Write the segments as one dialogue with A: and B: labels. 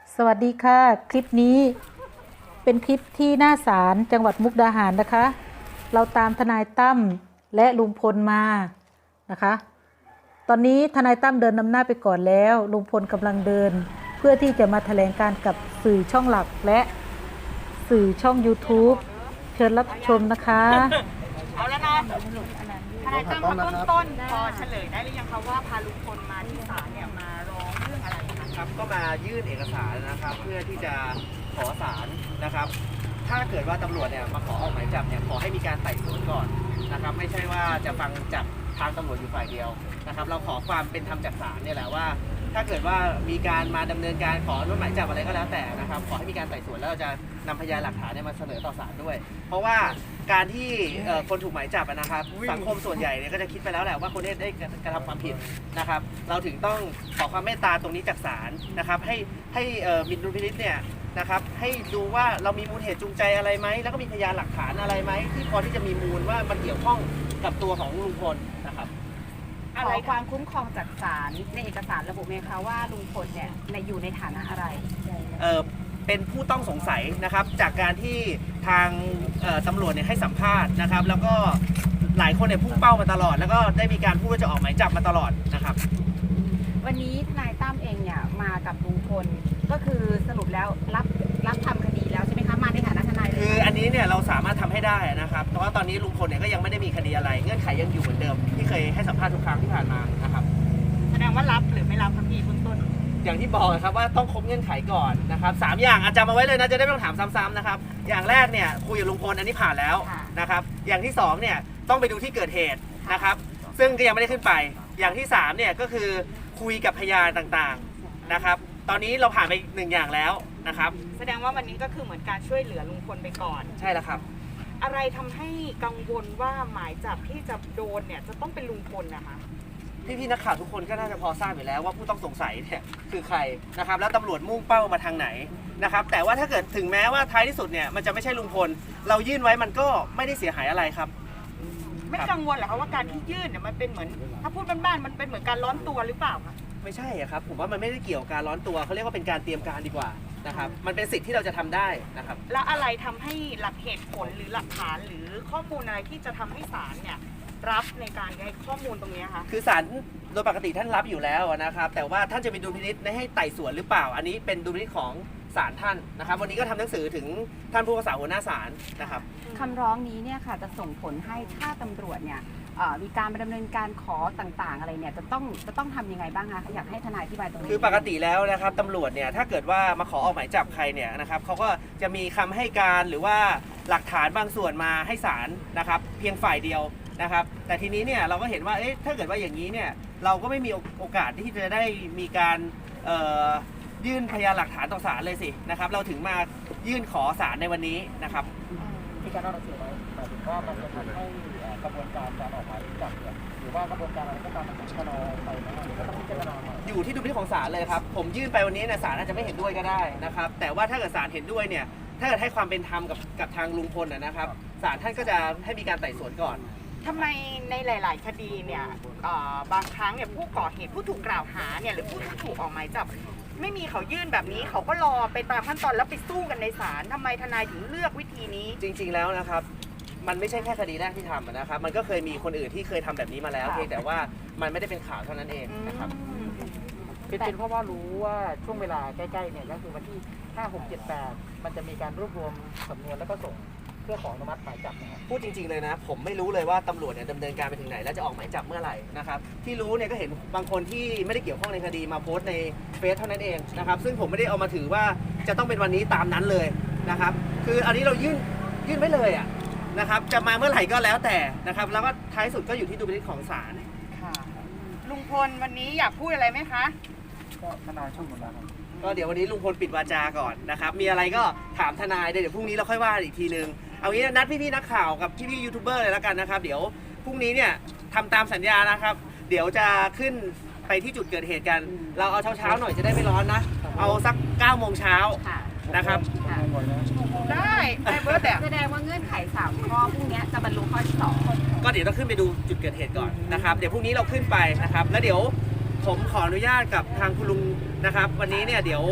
A: สวัสดีค่ะ คลิปนี้เป็นคลิปที่หน้าศาลจังหวัดมุกดาหารนะคะ เราตามทนายตั้มและลุงพลมานะคะ ตอนนี้ทนายตั้มเดินนำหน้าไปก่อนแล้วลุงพลกำลังเดิน เพื่อที่จะมาแถลงการกับสื่อช่องหลักและสื่อช่อง YouTube เชิญรับชมนะคะ
B: เอาแล้วเนาะทนายตั้มมาต้นพอเฉลยได้หรือยังคะว่าพาลุงพลมาที่ศาลเนี่ยมาร้องเรื่องอะไรคะ
C: ครับก็มายื่นเอกสารนะครับเพื่อที่จะขอศาลนะครับถ้าเกิดว่าตำรวจเนี่ยมาขอออกหมายจับเนี่ยขอให้มีการไต่สวนก่อนนะครับไม่ใช่ว่าจะฟังจากทางตำรวจอยู่ฝ่ายเดียวนะครับเราขอความเป็นธรรมจากศาลเนี่ยแหละว่าถ้าเกิดว่ามีการมาดำเนินการขออนุมัติหมายจับอะไรก็แล้วแต่นะครับขอให้มีการไต่สวนแล้วเราจะนำพยานหลักฐานเนี่ยมาเสนอต่อศาลด้วย เพราะว่าการที่คนถูกหมายจับนะครับสังคมส่วนใหญ่เนี่ยก็จะคิดไปแล้วแหละว่าคนนี้ได้กระทำความผิดนะครับเราถึงต้องขอความเมตตาตรงนี้จากศาลนะครับให้มินดุลพินิจเนี่ยนะครับให้ดูว่าเรามีมูลเหตุจูงใจอะไรไหมแล้วก็มีพยานหลักฐานอะไรไหมที่พอที่จะมีมูลว่ามันเกี่ยวข้องกับตัวของลุงพลนะครับ
B: อะไรความคุ้มครองจากศาลในเอกสารระบุไหมคะว่าลุงพลเนี่ยอยู่ในฐานะอะไร
C: เป็นผู้ต้องสงสัยนะครับจากการที่ทางตำรวจเนี่ยให้สัมภาษณ์นะครับแล้วก็หลายคนเนี่ยพุ่งเป้ามาตลอดแล้วก็ได้มีการพูดว่าจะออกหมายจับมาตลอดนะครับ
B: วันนี้ทนายตั้มเองเนี่ยมากับลุงพลก็คือสรุปแล้วรับทำคดีแล้วใช่ไหมคะมาในฐานะทนายเลย
C: คืออันนี้เนี่ยเราสามารถทำให้ได้นะครับแต่ว่าตอนนี้ลุงพลเนี่ยก็ยังไม่ได้มีคดีอะไรเงื่อนไขยังอยู่เหมือนเดิมที่เคยให้สัมภาษณ์ทุกครั้งที่ผ่านมานะครับ
B: แสดงว่ารับหรือไม่รับครับพี่คุณต้น
C: อย่างที่บอกครับว่าต้องครบเงื่อนไขก่อนนะครับ3อย่างอาจจะมาไว้เลยนะจะได้ไม่ต้องถามซ้ำๆนะครับอย่างแรกเนี่ยคุยกับลุงพลอันนี้ผ่านแล้วนะครับอย่างที่2เนี่ยต้องไปดูที่เกิดเหตุนะครับซึ่งก็ยังไม่ได้ขึ้นไปอย่างที่3เนี่ยก็คือคุยกับพยานต่างๆนะครับตอนนี้เราผ่านไป1อย่างแล้วนะครับ
B: แสดงว่าวันนี้ก็คือเหมือนการช่วยเหลือลุงพลไปก่อน
C: ใช่แล้วครับ
B: อะไรทำให้กังวลว่าหมายจับที่จะโดนเนี่ยจะต้องเป็นลุงพลนะคะ
C: พี่ๆนักข่าวทุกคนก็น่าจะพอทราบอยู่แล้วว่าผู้ต้องสงสัยเนี่ยคือใครนะครับแล้วตำรวจมุ่งเป้ามาทางไหนนะครับแต่ว่าถ้าเกิดถึงแม้ว่าท้ายที่สุดเนี่ยมันจะไม่ใช่ลุงพลเรายื่นไว้มันก็ไม่ได้เสียหายอะไรครับ
B: ไม่กังวลเหรอคะว่าการที่ยื่นเนี่ยมันเป็นเหมือนถ้าพูดบ้านๆมันเป็นเหมือนการร้อนตัวหรือเปล่าคะ
C: ไม่ใช่อะครับผมว่ามันไม่ได้เกี่ยวกับการร้อนตัวเขาเรียกว่าเป็นการเตรียมการดีกว่านะครับมันเป็นสิทธิ์ที่เราจะทำได้นะครับ
B: แล้วอะไรทำให้หลักเหตุผลหรือหลักฐานหรือข้อมูลอะไรที่จะทำให้ศาลเนี่ยรับในการให้ข้อมูลตรงนี้คะ
C: คือศาลโดยปกติท่านรับอยู่แล้วนะครับแต่ว่าท่านจะมีดุลพินิจให้ไต่สวนหรือเปล่า อันนี้เป็นดุลพินิจของศาลท่านนะครับวันนี้ก็ทำหนังสือถึงท่านผู้พิพากษาหัวหน้าศาลนะครับ
D: คำร้องนี้เนี่ยค่ะจะส่งผลให้ถ้าตำรวจเนี่ยมีการดำเนินการขอต่างๆอะไรเนี่ยจะต้องทำยังไงบ้างคะอยากให้ทนายอธิบายตรงนี้
C: คือปกติแล้วนะครับตำรวจเนี่ยถ้าเกิดว่ามาขอออกหมายจับใครเนี่ยนะครับเขาก็จะมีคำให้การหรือว่าหลักฐานบางส่วนมาให้ศาลนะครับเพียงฝ่ายเดียวนะครับแต่ทีนี้เนี่ยเราก็เห็นว่าเอ๊ะถ้าเกิดว่าอย่างนี้เนี่ยเราก็ไม่มีโอกาสที่จะได้มีการยื่นพยานหลักฐานต่อศาลเลยสินะครับเราถึงมายื่นขอศาลในวันนี้นะครับ
E: ที่การรับหนังสือไว้หมายถึงว่ามันจะทำให้กระบวนการออกหมายจับเนี่ยหรือว่ากระบวนการอะไรก็ตามมันชะลอไปนะหรือก็ต้องพิจารณาใหม่
C: อยู่ที่ดุลพินิจของศาลเลยครับผมยื่นไปวันนี้เนี่ยศาลอาจจะไม่เห็นด้วยก็ได้นะครับแต่ว่าถ้าเกิดศาลเห็นด้วยเนี่ยถ้าเกิดให้ความเป็นธรรมกับทางลุงพลนะครับศาลท่านก็จะให้มีการไต่สวนก่อน
B: ทำไมในหลาย ๆ คดีเนี่ยบางครั้งเนี่ยผู้ก่อเหตุผู้ถูกกล่าวหาเนี่ยหรือผู้ที่ถูกออกหมายจับไม่มีเขายื่นแบบนี้เขาก็รอไปตามขั้นตอนแล้วไปสู้กันในศาลทำไมทนายถึงเลือกวิธีนี้
C: จริงๆแล้วนะครับมันไม่ใช่แค่คดีแรกที่ทำนะครับมันก็เคยมีคนอื่นที่เคยทำแบบนี้มาแล้วเพียงแต่ว่ามันไม่ได้เป็นข่าวเท่านั้นเองนะครับ
E: เป็นเพราะว่ารู้ว่าช่วงเวลาใกล้ๆเนี่ยก็คือวันที่ 5 6 7 8 มันจะมีการรวบรวมสำนวนแล้วก็ส่งเพื่อขออนุมัติหมายจับนะครับ
C: พูดจริงๆเลยนะผมไม่รู้เลยว่าตำรวจเนี่ยดำเนินการไปถึงไหนแล้วจะออกหมายจับเมื่อไหร่นะครับที่รู้เนี่ยก็เห็นบางคนที่ไม่ได้เกี่ยวข้องในคดีมาโพสต์ในเฟซเท่านั้นเองนะครับซึ่งผมไม่ได้เอามาถือว่าจะต้องเป็นวันนี้ตามนั้นเลยนะครับคืออันนี้เรายื่นไว้เลยอ่ะนะครับจะมาเมื่อไหร่ก็แล้วแต่นะครับแล้วก็ท้ายสุดก็อยู่ที่ดุลพินิจของศาล
B: ค่ะลุงพลวันนี้อยากพูดอะไรไหมคะ
E: ก็ทนายช่วยหมดแล้วครับ
C: ก็เดี๋ยววันนี้ลุงพลปิดวาจาก่อนนะครับมีอะไรก็ถามทนายเดี๋ยวพรุ่งนี้เราค่อยว่าอีกทีนึงเอางี้นัดพี่ๆนักข่าวกับพี่ๆยูทูบเบอร์เลยแล้วกันนะครับเดี๋ยวพรุ่งนี้เนี่ยทำตามสัญญานะครับเดี๋ยวจะขึ้นไปที่จุดเกิดเหตุกัน เราเอาเช้าๆหน่อยจะได้ไม่ร้อนนะเอาสัก9 โมงเช้า
D: ค่ะ
C: นะครับ
D: ค่ะ
B: ได้ได้เบิร์ดแบบ
D: แสดงว่าเงื่อนไข3ข้อพวกเนี้ยจะบรรลุข้อที่2
C: ก็เดี๋ยวต้องขึ้นไปดูจุดเกิดเหตุก่อนนะครับเดี๋ยวพรุ่งนี้เราขึ้นไปนะครับแล้วเดี๋ยวผมขออนุญาตกับทางคุณลุงนะครับวันนี้เนี่ยเดี๋ยว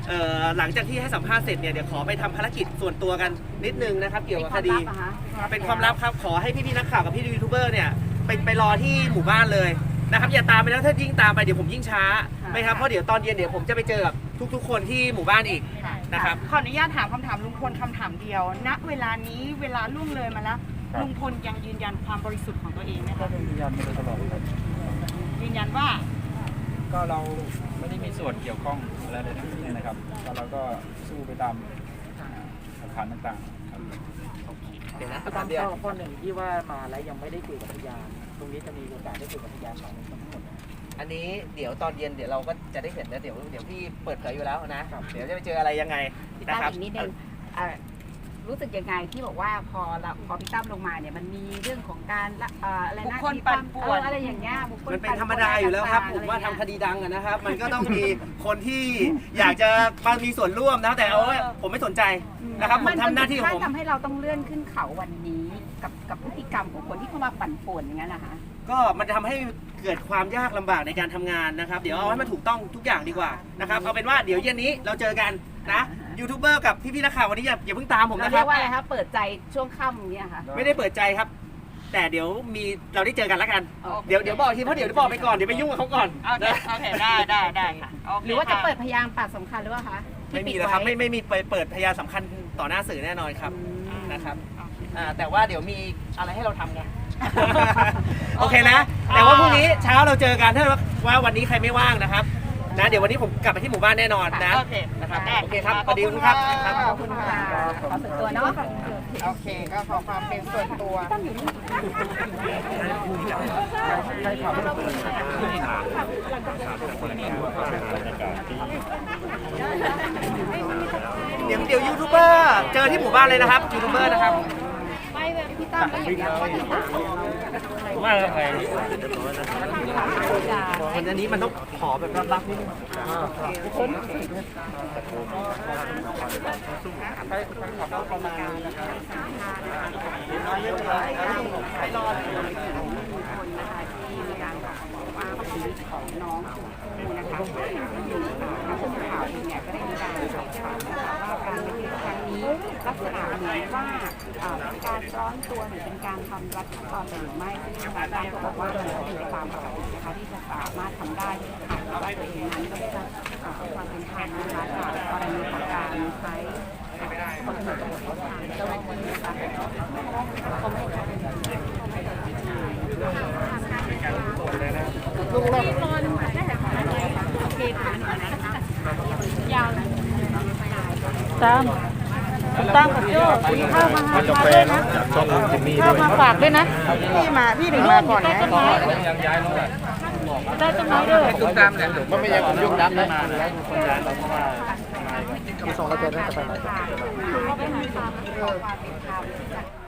C: หลังจากที่ให้สัมภาษณ์เสร็จเนี่ยเดี๋ยวขอไปทำภารกิจส่วนตัวกันนิดนึงนะครับเกี่ยวกับคดี เป็นความลับครับขอให้พี่ๆนักข่าวกับพี่ยูทูบเบอร์เนี่ยไปรอที่หมู่บ้านเลยนะครับอย่าตามไปแล้วถ้ายิ่งตามไปเดี๋ยวผมยิ่งช้าไหมครับเพราะเดี๋ยวตอนเย็นเดี๋ยวผมจะไปเจอกับทุกๆ คนที่หมู่บ้านอีกนะครับ
B: ขออนุญาตถามคำถามลุงพลคำถามเดียว ณ เวลานี้เวลาล่วงเลยมาแล้ว ลุงพลยังยืนยันความบริสุทธิ์ของตัวเองไหม
F: ก็
B: คะ
F: ยืนยันมาโดยตลอดครับ
B: ยืนยันว่า
F: ก็เราไม่ได้มีส่วนเกี่ยวข้องอะไรเลยทั้งสิ้นนะครับก็เราก็สู้ไปตามหลักฐานต่างๆครับ
C: เดี๋ยวนะ
E: ตามข้อหนึ่งที่ว่ามาแล้วยังไม่ได้คุยกับพยานตรงนี้จะมีโอกาสได้คุยกับพยาน2 คนทั้งหมด
C: อันนี้เดี๋ยวตอนเย็นเดี๋ยวเราก็จะได้เห็นนะเดี๋ยวพี่เปิดเผยอยู่แล้วนะเดี๋ยวจะไปเจออะไรยังไง
D: พี่
C: นะ
D: ตั้ม
C: ครับ
D: อีกนิดนึงรู้สึกยังไงที่บอกว่าพอพี่ตั้มลงมาเนี่ยมันมีเรื่องของการอะไร
B: บุ
D: นะ
B: คคลปั่นป่วน
D: อะไรอย่างเงี้ยบุคคล
C: มันเป็นธรรมดาอยู่แล้วครับผมว่าทำคดีดังอะนะครับ มันก็ต้องมีคนที่อยากจะมามีส่วนร่วมนะแต่เอาไว้ผมไม่สนใจนะครับผมทำหน้าที่ของผม
D: ทำให้เราต้องเลื่อนขึ้นเขาวันนี้กับพฤติกรรมของคนที่เข้ามาปั่นป่วนอย่างนั้นนะคะ
C: ก็มันจะทำให้เกิดความยากลำบากในการทำงานนะครับ เดี๋ยวเอาให้มันถูกต้องทุกอย่างดีกว่านะครับเอาเป็นว่าเดี๋ยวเย็นนี้เราเจอกันนะยูทูบเบอร์กับพี่ๆนักข่าววันนี้อย่าเพิ่งตามผม
D: เรา
C: นะค
D: เรี
C: รั
D: ย
C: บ
D: กว่าอะไรคะเปิดใจช่วงค่ำอย่างเงี้ยค่ะ
C: ไม่ได้เปิดใจครับ แต่เดี๋ยวเราได้เจอกันแล้วกันเดี๋ยวบอกทีเพราะเดี๋ยวบอกไปก่อนเดี๋ยวไปยุ่งกับเขาก่อน
B: โอเค โอเค ได้ค่ะโเค
D: หรือว่าจะ
B: ค่
D: เปิดพยานปากสำคัญหรือเปล่าคะที่
C: ไม่มี
D: ปิด
C: แล้วครับ
D: ไว้
C: ไม่มีเปิดพยานสำคัญต่อหน้าสื่อแน่นอนครับนะครับแต่ว่าเดี๋ยวมีอะไรให้เราทำไง โอเคนะ แต่ว่าพรุ่งนี้เช้าเราเจอกันถ้าว่าวันนี้ใครไม่ว่างนะครับนะเดี๋ยววันนี้ผมกลับไปที่หมู่บ้านแน่นอนนะ
B: โอเค
C: นะครับ
B: ได้
C: โอเคครับ
B: ข
C: ส
B: อบ
C: วัสดี
B: คุณ
C: ครับ
B: ค่ะ
D: ขอบคุณค่ะขอส่วนตัวเนาะ
B: โอเค ก็ขอความเป็นส่วนตัว
C: เดี๋ยวยูทูบเบอร์เจอที่หมู่บ้านเลยนะครับยูทูบเบอร์นะครับ
D: พี่ตั้มก็อย่างเงี้ยข้อที่สาม
F: ว่าใคร
C: คนอันนี้มันต้องขอแบบรับๆนิดนึง
D: ไปรอคนนะคะที่มีการบอกว่าชีวิตของน้องชมพู่นะคะผู้สื่อข่าวเองเนี่ยก็ได้มีการสอบถามนะคะว่าการไปที่ครั้งนี้ลักษณะเหมือนว่าเป็นการร้อนตัวหรือเป็นการทำรัดขั้นตอนหรือไม่ซึ่งทางด้านก็บอกว่ามันเป็นไปตามปกตินะคะที่จะสามารถทำได้หากว่าตัวเองนั้นก็ได้รับความเป็นธรรมนะคะจากกรณีของการใช้คนอื่นทางเจ้าหน้าที่นะคะเขาไม่ได้ลุงเลยนอนได้แต่ของอะไรคะโอเคค่ะยาวนะ
A: ตามตั้งกับโจ้กินข้าวมาหาด้วยนะข้าวมาฝากด้วยนะ
B: พี่หนึ่งมาก่อน
A: ใต้
B: นะ
A: ต้นไม้ใต้ต้นไม้ด้วย
F: มันไม่ใช่ผมยุ่งดับได้มาแล้วคนย้ายเราเพราะว่าที่ส่งเราเจอน่าจะไปไหน
D: เขาไปหาตามขอความเป็นธรรมจาก